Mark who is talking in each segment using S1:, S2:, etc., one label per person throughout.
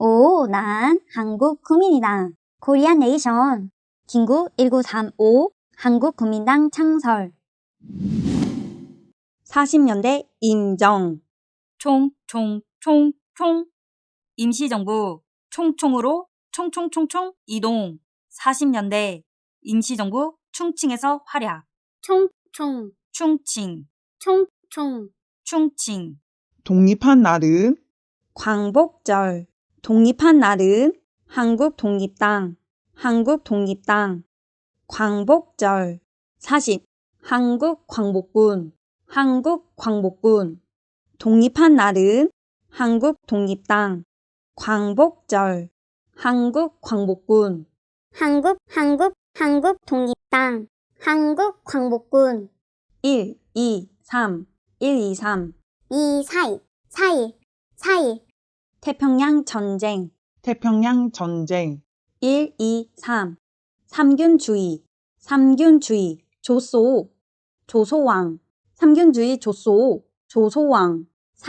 S1: 오, 난 한국 국민이다. 코리안 네이션. 김구 1935 한국국민당 창설. 40년대 임정.
S2: 총. 임시정부 총으로 총총 이동. 40년대 임시정부 충칭에서 활약. 충칭.
S3: 독립한 날은
S1: 광복절. 독립한 날은 한국독립당. 광복절. 40. 한국광복군. 독립한 날은 한국독립당. 광복절. 한국광복군.
S4: 한국독립당, 한국광복군,
S1: 1, 2, 3.
S4: 4.1.
S1: 태평양 전쟁.
S3: 태평양 전쟁,
S1: 1, 2, 3. 삼균주의. 조소왕. 삼균주의 조소왕.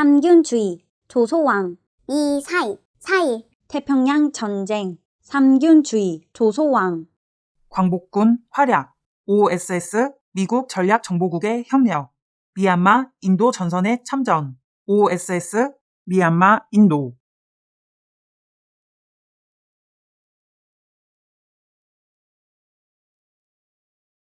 S1: 조소왕.
S4: 4.1.
S1: 태평양 전쟁. 삼균주의 조소왕.
S5: 광복군 활약, OSS 미국 전략정보국의 협력, 미얀마 인도 전선에 참전, OSS 미얀마 인도.